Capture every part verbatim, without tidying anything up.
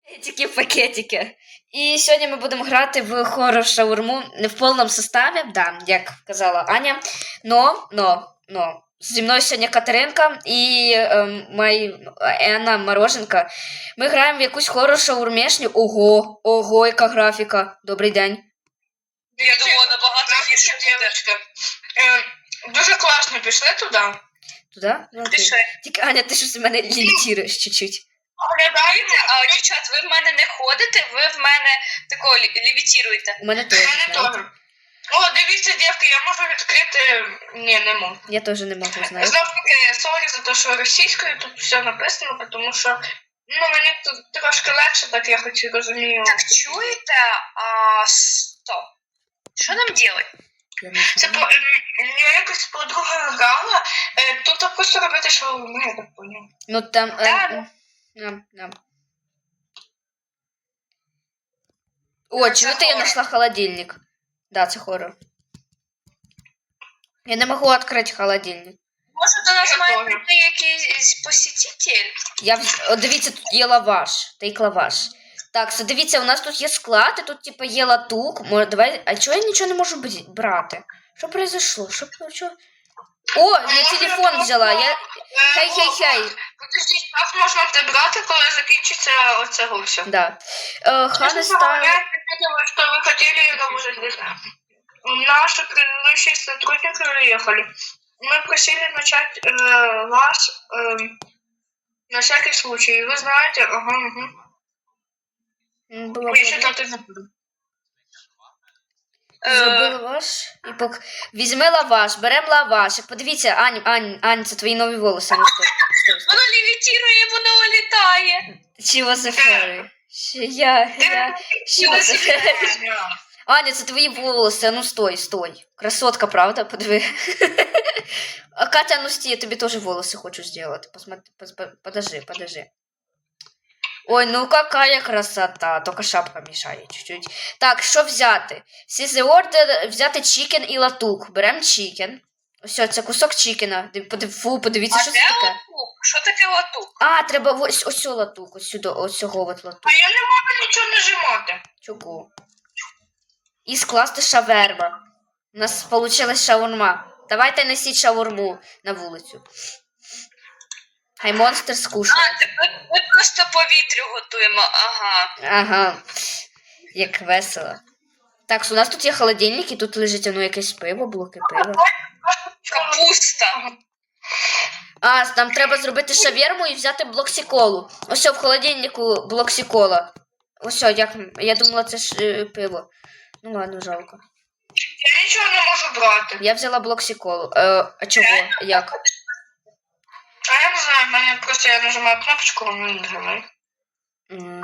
Тільки пакетики. І сьогодні ми будемо грати в хоррор шаурму не в повному составі, да, як казала Аня. Но, но, но. Зі мною сьогодні Катеринка і ем, моя Анна Мороженка. Ми граємо в якусь хоррор шаурмешню. Ого, ого, яка графіка. Добрий день. Я думала, набагато гірше буде. Е, Дуже класно, пішли туди. Туди? Ну, окей. Пішли. Тільки, Аня, ти щось мене лімітуєш чуть-чуть. Оглядаєте, а дівчат, ви в мене не ходите, ви в мене тако лівітіруєте. У мене теж. У мене знаєте. теж. О, дивіться, дівки, я можу відкрити... Ні, не можу. Я теж не можу, знаю. Знов таки, сорі за те, що російською тут все написано, тому що ну, мені тут трошки легше, так я хоч і розумію. Так, чуєте? А, стоп. Що нам робити? Я не Це знаю. по, ем, я якось подруга грала, е, тут просто робити шаурму, я так поняв. Ну там... Да, Е, ням, ням. О, чуєте, я хоррор. знайшла холодильник. Да, це хоррор. Я не можу відкрити холодильник. Може до нас має прийти якийсь посетитель? Я вз- О, дивіться, тут є лаваш. Тейк лаваш. Так, so, дивіться, у нас тут є склад, і тут, типу, є латук. Може, давай... А чого я нічого не можу бі- брати? Що произошло? Що... що... О, я телефон взяла. Я... Хей-хей-хей. Подождіть, як можна це брати, коли закінчиться оце все? Да. Э, Хана ставит... Что вы хотели работать здесь. Наши предыдущие сотрудники уехали. Мы просили начать э, вас э, на всякий случай. Вы знаете, ага, угу. Было Я считаю, не буду. Зроби лаваш і пок... Візьми лаваш, беремо лаваш. Подивіться, Ань, Ань, Ань, це твої нові волоси. Ну, стой, стой, стой. Воно левітірує, воно літає. Чого за фери? Я, я... Чого за фери? Аня, це твої волоси, а ну стой, стой. Красотка, правда? Подиви. А Катя, ну стій, я тобі теж волоси хочу зробити. Посмотри, пос- подожди, подожди. Ой, ну какая красота. Только шапка мешає чуть-чуть. Так, що взяти? Seize the order, взяти чікен і латук. Берем чікен. Ось, це кусок чікена. Див- подив- Фу, подивіться, А що де це таке. латук? Що таке латук? А, треба ось, ось цього латук, ось сюди, ось цього от латук. А я не можу нічого нажимати. Чого? І скласти шаверма. У нас вийшла шаурма. Давайте несіть шаурму на вулицю. Хай монстр скушає. А, це ми, ми просто повітрю готуємо, ага. Ага. Як весело. Так, у нас тут є холодильник, і тут лежить ну, якесь пиво, блоки пива. Капуста. А, нам треба зробити шаверму і взяти блоксиколу. Ось в холодильнику блоксикола. Ось, як, я думала, це ж е, пиво. Ну ладно, жалко. Я нічого не можу брати. Я взяла блоксиколу. Е, а чого? Як? А я не знаю, в мене просто я нажимаю кнопочку, воно не нажимає. М,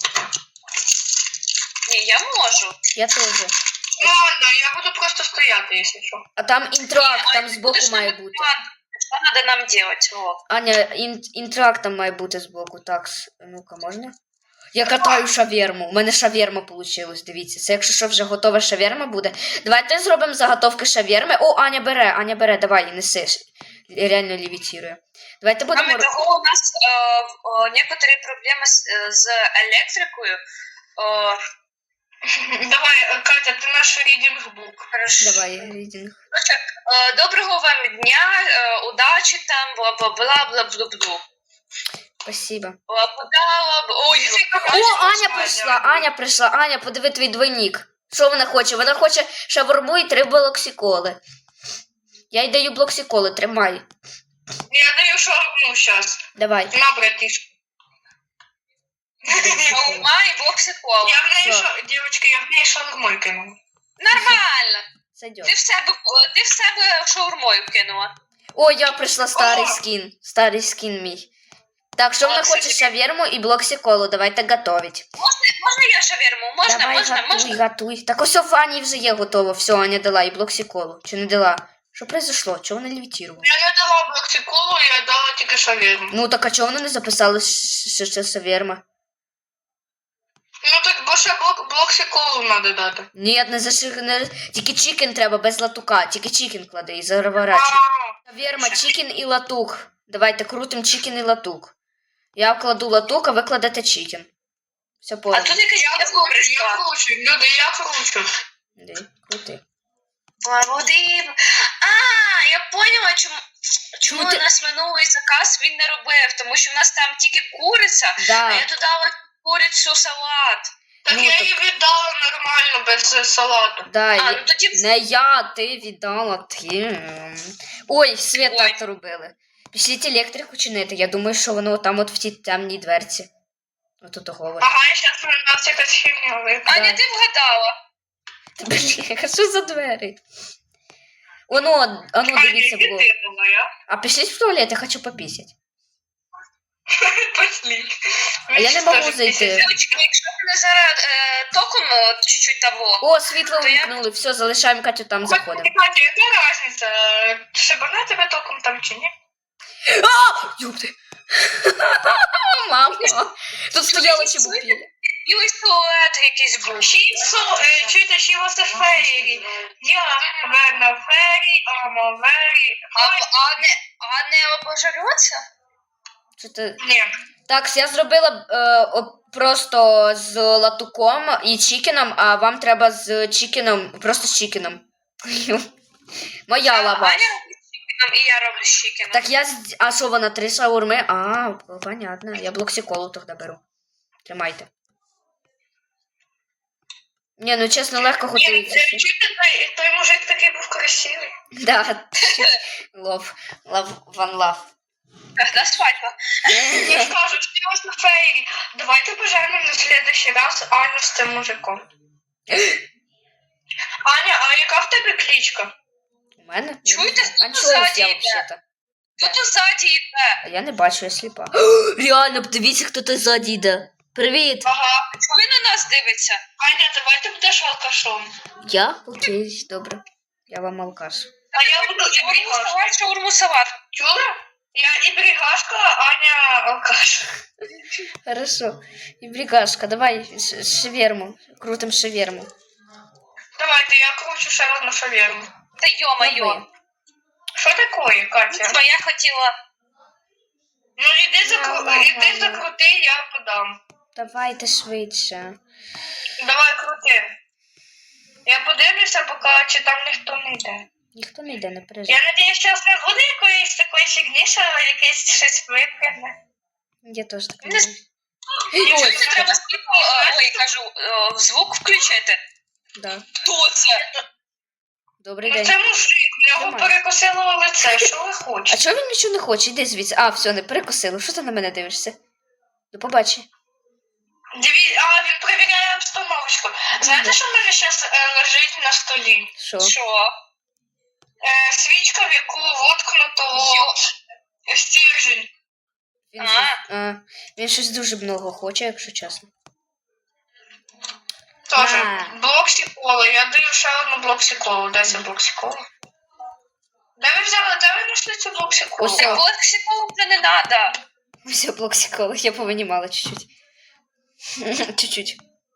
Ні, я можу. Я теж. Ну ладно, я буду просто стояти, якщо що. А там інтракт, там збоку має бути. Що треба нам робити? О. Аня, ін, інтракт там має бути збоку. Так, с- ну-ка, можна? Я катаю шаверму. У мене шаверма вийшла, дивіться. Це якщо що вже готова шаверма буде. Давайте зробимо заготовки шаверми. О, Аня бере, Аня бере, давай, неси. Реально левітірує. Давайте будемо... Кроме того, у нас е, е, некоторі проблеми з, е, з електрикою. Е, Давай, Катя, ти наш рідінг-бук. Давай, рідінг. Е, Доброго вам дня, е, удачі там, бла-бла-бла-бла-бла-бла. Спасибо. Бла-бла-бла. Ой, О, Аня прийшла, Аня прийшла. Аня, подиви твій двойник. Що вона хоче? Вона хоче шаурму і три блоксиколи. Я їй даю блоксиколи, тримай. Я даю шаурму зараз. Давай. На, братишка. Шаурма і блоксикола. Я в неї, Що? шо... Дівчатки, я в неї шаурмою кинула. Нормально. Сойдет. Ти в себе, ти в себе шаурмою кинула. О, я прийшла старий О! скін. Старий скін мій. Так, що вона О, хоче? кстати. Шаверму і блоксиколу. Давайте готовить. Можна я шаверму? Можна, Давай, можна, готуй, можна? готуй. Так ось в Ані вже є готово. Все, Аня дала і блоксиколу. Чи не дала? Що произошло? Чого вона левітувала? Я не дала блоксикулу, я дала тільки шаверму. Ну так а чого вона не записала, що це шаверма? Ну так, бо ще блок, блоксикулу треба дати. Ні, не заши... не... Тільки чікен треба, без латука. Тільки чікен клади і заворачуй. Шаверма, чікен і латук. Давайте крутим чікен і латук. Я кладу латук, а ви кладете чікен. Все А подано. тут якась Я я кручу, я кручу, люди, я кручу. Ди, крути. Води. А, я поняла, чому, чому Ну, ти- у нас минулий заказ він не робив, тому що в нас там тільки куриця, а Да. я додала курицю салат. Так Ну, я так- її віддала нормально, без е, салату. Да, А, я- ну тоді Не я, ти віддала, ти. м. Ой, світ Ой. так робили. Пішліть електрику чинити. Я думаю, що воно там от в тій темній дверці. Отут говорить. Ага, я щас на нас якась херня випала. Аня, ти вгадала. Блін, а що за двері? Оно, оно, Аня, дивіться, іди було. ти моя. А пішліть в туалет, я хочу попісять. Пошли. А я не можу зайти. Дівчатки, якщо мене зараз е, током е, чуть-чуть того. О, світло То я- вимкнули, все, залишаємо Катю там, заходимо. Катя, яка разниця? Шибана тебе током там чи ні? Юпти. Мама, тут стояла чебупіля. Білий силует якийсь був. So, uh, чуєте, she was a fairy. Я верна fairy, I'm a very... А, а не, а не обожарюватися? Що ти? Ні. Так, я зробила е, о, просто з латуком і чікеном, а вам треба з чікеном, просто з чікеном. Моя лава. Аня робить з чікеном, і я роблю з чікеном. Так я з... А що вона, три шаурми? А, понятно. Я блоксиколу тоді беру. Тримайте. Ні, ну чесно, легко Ні, готується. е, чуєте, той, той мужик такий був красивий. Да. Лов. Лав. Ван лав. Да, свадьба. Я скажу, she was a fairy. Давайте поженемо на следующий раз Аню з цим мужиком. Аня, а яка в тебе кличка? У мене? Чуєте, хто Анчоус ззаді я йде? взагалі-то. Хто тут ззаді йде? А я не бачу, я сліпа. Реально, подивіться, хто тут ззаді йде. Привіт. Ага. Чого він на нас дивиться? Аня, давай ти будеш алкашом. Я? Окей, добре. Я вам алкаш. А я буду і Шаурму бригашка. салат, шаурму салат. Чула? Я і бригашка, Аня алкаш. Хорошо. І бригашка, давай ш- шаверму. Крутим шаверму. Давайте, я кручу ще одну шаверму. Та йо-моє. Давай. Що таке, Катя? Бо я хотіла. Ну іди закру... Давай, іди давай. закрути, я подам. Давайте швидше. Давай крути. Я подивлюся, поки чи там ніхто не йде. Ніхто не йде, не Я переживай. надіюсь, зараз не буде якоїсь такої фігні, що якесь щось випрягне. Я теж так Не думаю. Чого Ой, не треба світло, е, ой, кажу, е, звук включити? да. Хто це? Добрий Ну день. це мужик, в нього Тримай. перекосило лице, що ви А хочете? чого він нічого не хоче? Іди звідси. А, все, не перекосило. Що ти на мене дивишся? До побачення. Диві... А, він перевіряє обстановочку. Знаєте, що в мене зараз лежить на столі? Що? Що? Е, свічка, в яку воткнуто Йо. стержень. Він, А. щось, а, він щось дуже много хоче, якщо чесно. Тоже А. блок сіколи. Я даю ще одну блок сіколу. Де це блок сіколи? Де ви взяли, де ви знайшли цю блок сіколу? Ось Так от психолог вже не треба. Все, блоксикола, я повинімала чуть-чуть. Чуть-чуть.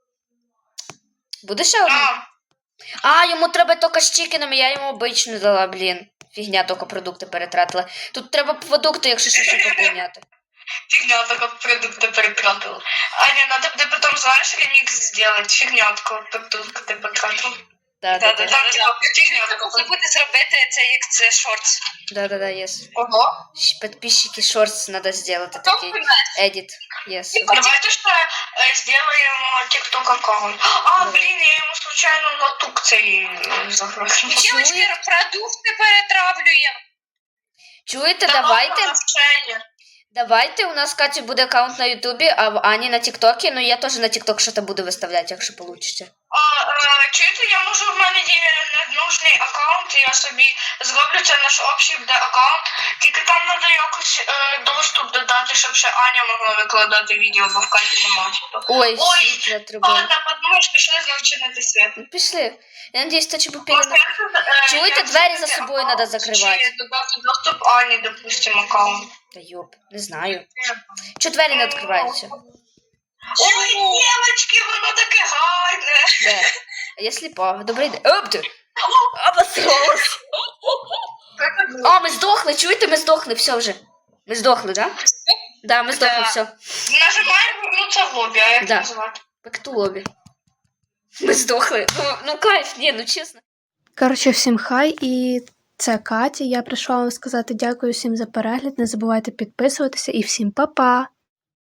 Буде ще одна? А, А, йому треба тільки з чікеном, я йому обичну дала, блін. Фігня, тільки продукти перетратила. Тут треба продукти, якщо що, ще поповняти. фигня, только продукты перетратила. Аня, надо буде потом, знаешь, ремикс сделать. Фигня, такого продукта ты потратила. Да, да, да. Там, типа, фигня Можна такого. буде зробити це, як це шортс. Да, да, да, yes. Ого. Подписчики шортс надо сделать, Хто такий впевнений? edit. Yes. Давайте что э, сделаем тикток аккаунт. А, Давай. блин, я ему случайно латук цей загрузил. Дівчатки, продукти перетравлюємо. Чуєте, давайте, Давайте. давайте, у нас, Катя, буде аккаунт на Ютубі, а в Ані на Тіктокі, ну я теж на Тікток щось буду виставляти, якщо вийде. А, е, чуєте, я можу, в мене є нужний аккаунт, я собі зроблю це наш общий буде аккаунт, тільки там треба якось е, доступ додати, щоб ще Аня могла викладати відео, бо в Каті немає. Ой, Ой, світло треба. Ладно, подумаєш, пішли знов чинити світ. Ну, пішли. Я надіюсь, то чебупіля. Просто як це, е, Чуєте, як двері це за собою аккаунт, надо закривати. Чи додати доступ Ані, допустимо, аккаунт. Та йоп, не знаю. Чого двері не відкриваються? Ой, дівчатки, воно таке гарне. Де? А я сліпа. Добрий день. Оп ти! Обосралась. А, ми здохли, чуєте, ми здохли, все вже. Ми здохли, да? Да, ми здохли, Да. все. Нажимаємо вернути це в лобі, а як Да. називати? Бектулобі. Ми здохли. Ну, ну кайф, ні, ну чесно. Коротше, всім хай, і це Катя. Я прийшла вам сказати дякую всім за перегляд. Не забувайте підписуватися і всім па-па!